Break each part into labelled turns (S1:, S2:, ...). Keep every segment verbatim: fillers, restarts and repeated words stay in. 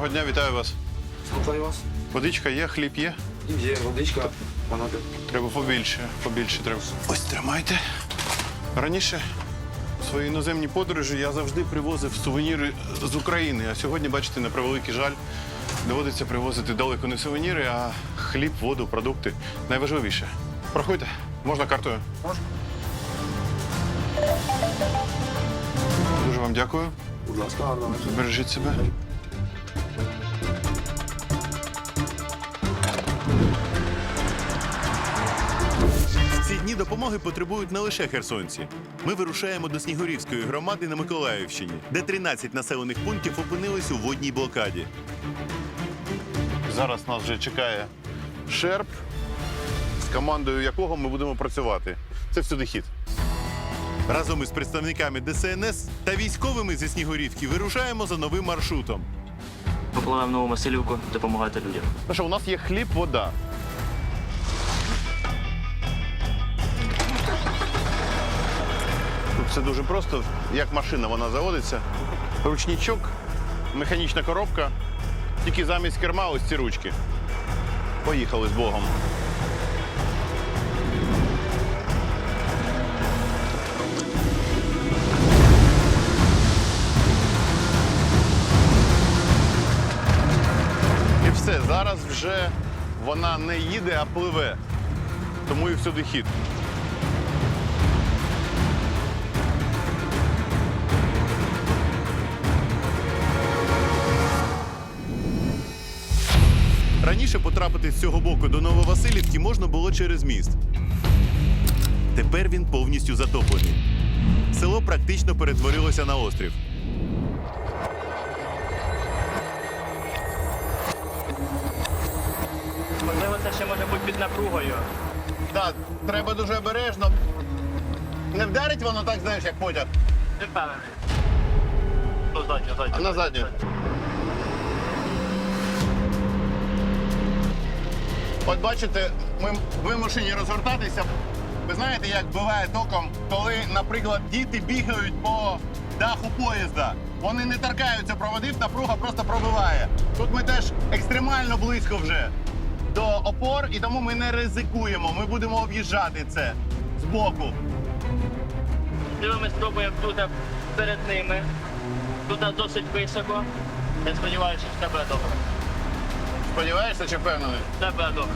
S1: Доброго дня, вітаю вас.
S2: Слухаю вас.
S1: Водичка є, хліб є?
S2: Є водичка, вона де.
S1: Треба побільше, побільше треба. Ось тримайте. Раніше в свої іноземні подорожі я завжди привозив сувеніри з України. А сьогодні, бачите, на превеликий жаль, доводиться привозити далеко не сувеніри, а хліб, воду, продукти. Найважливіше. Проходьте. Можна картою?
S2: Можна.
S1: Дуже вам дякую.
S2: Будь ласка, гарно.
S1: Бережіть себе.
S3: В ці дні допомоги потребують не лише херсонці. Ми вирушаємо до Снігурівської громади на Миколаївщині, де тринадцять населених пунктів опинились у водній блокаді.
S1: Зараз нас вже чекає Шерп, з командою якого ми будемо працювати. Це всюди хід.
S3: Разом із представниками Де Се Ен Ес та військовими зі Снігурівки вирушаємо за новим маршрутом.
S4: Попливаємо в Нову Василівку допомагати людям.
S1: Ну що, у нас є хліб, вода. Тут все дуже просто. Як машина вона заводиться. Ручничок, механічна коробка. Тільки замість керма ось ці ручки. Поїхали з Богом. І все, зараз вже вона не їде, а пливе. Тому і всюди хід.
S3: Раніше потрапити з цього боку до Нововасилівки можна було через міст. Тепер він повністю затоплений. Село практично перетворилося на острів.
S4: Можливо, це ще може бути під напругою.
S1: Так, треба дуже обережно. Не вдарить воно так, знаєш, як потяг.
S4: Не впевнений. Ну, задню, задню.
S1: А на задню. От бачите, ми вимушені розгортатися. Ви знаєте, як буває током, коли, наприклад, діти бігають по даху поїзда. Вони не торкаються проводів, напруга просто пробиває. Тут ми теж екстремально близько вже до опор, і тому ми не ризикуємо. Ми будемо об'їжджати це збоку.
S4: Ми спробуємо тут перед ними. Тут досить високо. Я сподіваюся, що все буде добре.
S1: Сподіваєшся чи впевнений?
S4: Все буде добре.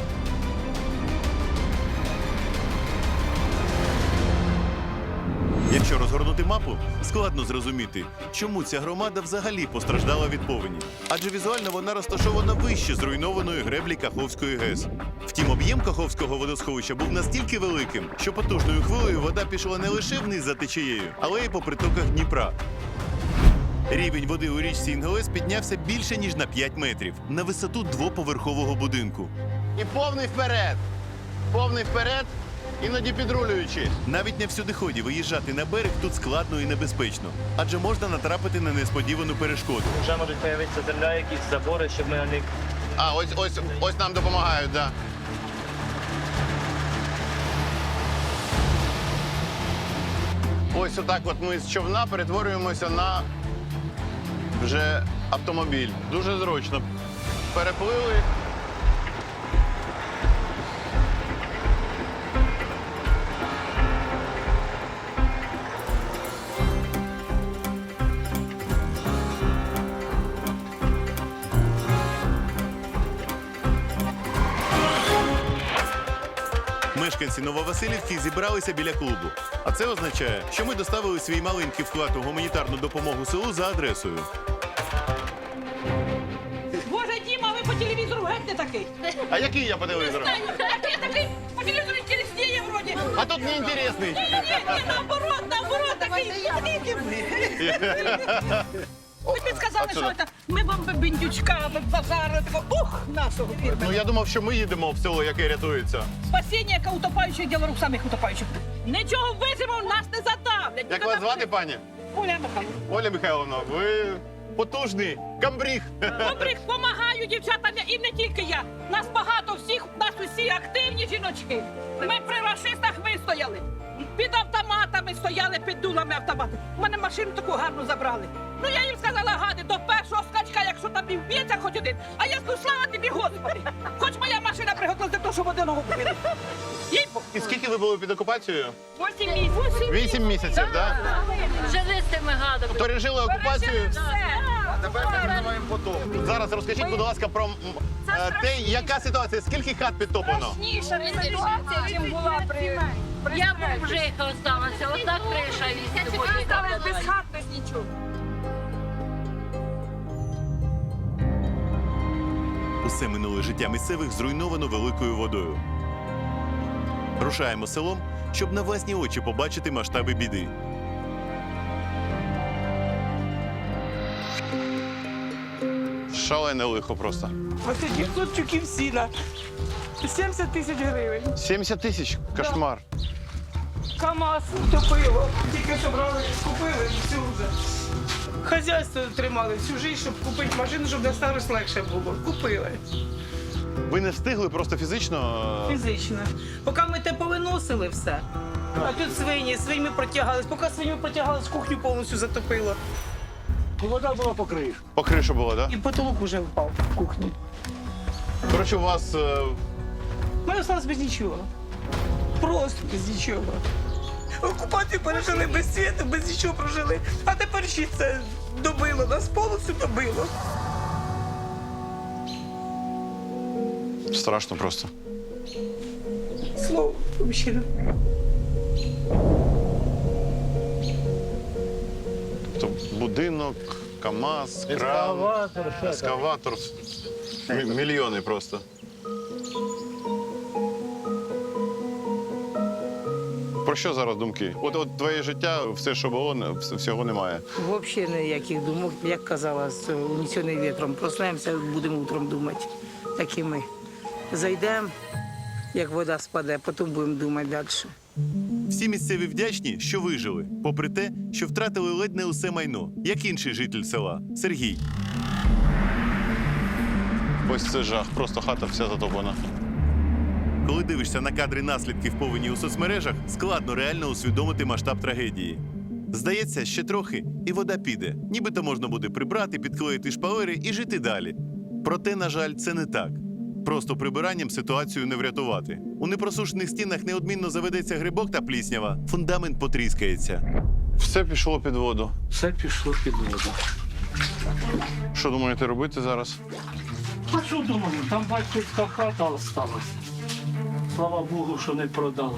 S3: Якщо розгорнути мапу, складно зрозуміти, чому ця громада взагалі постраждала від повені. Адже візуально вона розташована вище зруйнованої греблі Каховської ГЕС. Втім, об'єм Каховського водосховища був настільки великим, що потужною хвилею вода пішла не лише вниз за течією, але й по притоках Дніпра. Рівень води у річці Інгулець піднявся більше, ніж на п'ять метрів, на висоту двоповерхового будинку.
S1: І повний вперед. Повний вперед, іноді підрулюючи.
S3: Навіть на всюдиході виїжджати на берег тут складно і небезпечно, адже можна натрапити на несподівану перешкоду.
S4: Вже можуть з'явитися земля, якісь забори, щоб ми на них...
S1: А, ось, ось, ось нам допомагають, так. Да. Ось отак от ми з човна перетворюємося на вже автомобіль. Дуже зручно. Переплили.
S3: Мешканці Нововасилівки зібралися біля клубу. А це означає, що ми доставили свій маленький вклад у гуманітарну допомогу селу за адресою.
S5: Боже, Діма, ви по телевізору геть не такий.
S1: А який я по телевізору?
S5: Такий, такий, по телевізору інтересніє вроді.
S1: А тут неінтересний.
S5: Ні, ні, ні, наоборот, наоборот, такий, такий. Ви б сказали, що це, ми вам бендючка, базар, такого, ух, нашого фірми.
S1: Ну я думав, що ми їдемо в село, яке рятується.
S5: Спасіння, яке утопаючих, діло рук самих утопаючих. Нічого вижимо, нас не задавлять.
S1: Як вас звати, пані?
S5: Оля Михайловна.
S1: Оля Михайловна, ви потужний камбріг.
S5: Добрих помагаю дівчатам, і не тільки я. Нас багато всіх, нас усі активні жіночки. Ми при рашистах вистояли. Під автоматами стояли, під дулами автоматів. У мене машину таку гарну забрали. Ну я їм сказала, гади, до першого скачка, якщо там і вб'ється хоч один. А я скажу, слава тобі, Господи. Хоч моя машина приготувалася для того, щоб одного вбили. Їй Бог.
S1: І скільки ви були під окупацією?
S5: Вісім місяців.
S1: Вісім місяців, так?
S6: Жили з цими гадами.
S1: Пережили окупацію.
S5: А
S1: тепер переживаємо потім. Зараз розкажіть, будь ласка, про м, е, те, яка ситуація, скільки хат підтоплено?
S5: Страшніша ситуація, чим була при...
S6: Я бомжиха осталася, отак криша
S5: Я
S6: від
S5: тепер осталась без хат, без нічого.
S3: Усе минуле життя місцевих зруйновано великою водою. Рушаємо селом, щоб на власні очі побачити масштаби біди.
S1: Шалене лихо просто.
S7: Ось дев'ятсот тюків сіна. сімдесят тисяч гривень.
S1: сімдесят тисяч, кошмар.
S7: КамАЗ топило. Тільки що брали, купили всю вже. Хазяйство тримали всю життя, щоб купити машину, щоб на старость легше було. Купили.
S1: Ви не встигли просто фізично?
S7: Фізично. Поки ми те повиносили все. А тут свині, свинями протягались. Поки свинями протягались, кухню повністю затопило.
S8: Вода була по кришу.
S1: По кришу було, так?
S7: І потолок вже впав в кухні.
S1: Да? Коротше, у вас е,
S7: Ми залишилися без нічого. Просто без нічого. Окупацію пережили без світу, без нічого прожили. А тепер ще це добило, нас повністю добило.
S1: страшно просто.
S7: Слово, взагалі.
S1: Тобто будинок, КамАЗ, кран,
S8: Ескаватор, все так.
S1: ескаватор. Мі- Мільйони просто. Про що зараз думки? От, от твоє життя, все, що було, не- вс- всього немає.
S7: Взагалі ніяких думок, як казала, з унесений вітром. Проснемося, будемо утром думати. Так і ми. Зайдемо, як вода спаде, потім будемо думати далі.
S3: Всі місцеві вдячні, що вижили, попри те, що втратили ледь не усе майно, як інший житель села Сергій.
S1: Ось це жах, просто хата вся затоплена.
S3: Коли дивишся на кадри наслідків повені у соцмережах, складно реально усвідомити масштаб трагедії. Здається, ще трохи, і вода піде. Нібито можна буде прибрати, підклеїти шпалери і жити далі. Проте, на жаль, це не так. Просто прибиранням ситуацію не врятувати. У непросушених стінах неодмінно заведеться грибок та пліснява, фундамент потріскається.
S1: Все пішло під воду.
S8: Все пішло під воду.
S1: Що думаєте робити зараз?
S8: А що думаю, там батьківська хата осталась. Слава Богу, що не продали.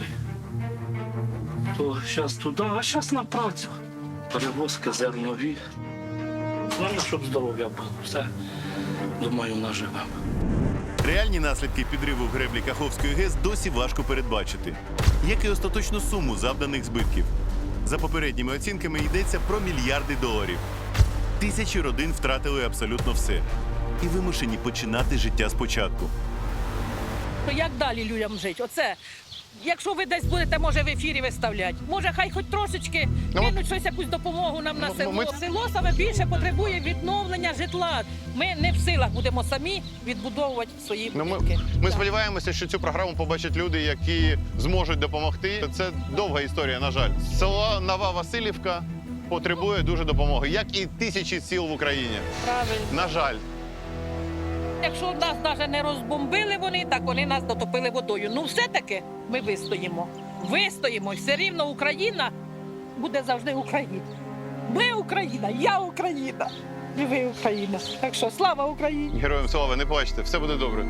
S8: То зараз туди, а зараз на працю. Перевозки зернові. Головне, щоб здоров'я було. Все, думаю, наживемо.
S3: Реальні наслідки підриву греблі Каховської ГЕС досі важко передбачити, як і остаточну суму завданих збитків. За попередніми оцінками йдеться про мільярди доларів. Тисячі родин втратили абсолютно все і вимушені починати життя спочатку.
S5: То як далі людям жити? Оце. Якщо ви десь будете, може, в ефірі виставляти. Може, хай хоч трошечки
S1: Ну,
S5: кинуть щось, якусь допомогу нам на
S1: ну,
S5: село.
S1: ми-
S5: Село саме більше потребує відновлення житла. Ми не в силах будемо самі відбудовувати свої
S1: Ну, ми,
S5: будинки.
S1: ми
S5: Так.
S1: сподіваємося, що цю програму побачать люди, які зможуть допомогти. Це довга історія, на жаль. Село Нова Василівка потребує дуже допомоги, як і тисячі сіл в Україні.
S5: Правильно.
S1: На жаль.
S5: Якщо нас навіть не розбомбили вони, так вони нас дотопили водою. Ну все-таки ми вистоїмо. Вистоїмо. І все рівно Україна буде завжди Україна. Ми Україна, я Україна. І ви Україна. Так що слава Україні!
S1: Героям слава, не плачте, все буде добре.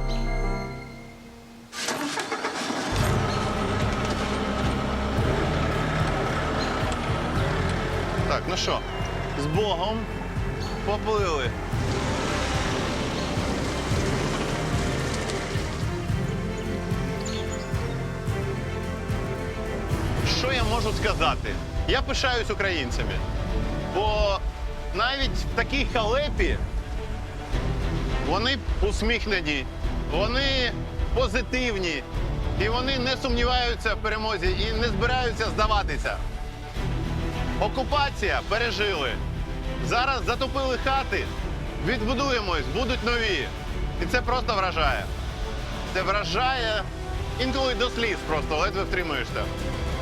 S1: Так, ну що, з Богом поплили. Що я можу сказати? Я пишаюсь українцями, бо навіть в такій халепі вони усміхнені, вони позитивні, і вони не сумніваються в перемозі і не збираються здаватися. Окупація пережили. Зараз затопили хати, відбудуємось, будуть нові. І це просто вражає. Це вражає інколи до сліз просто, ледве втримуєшся.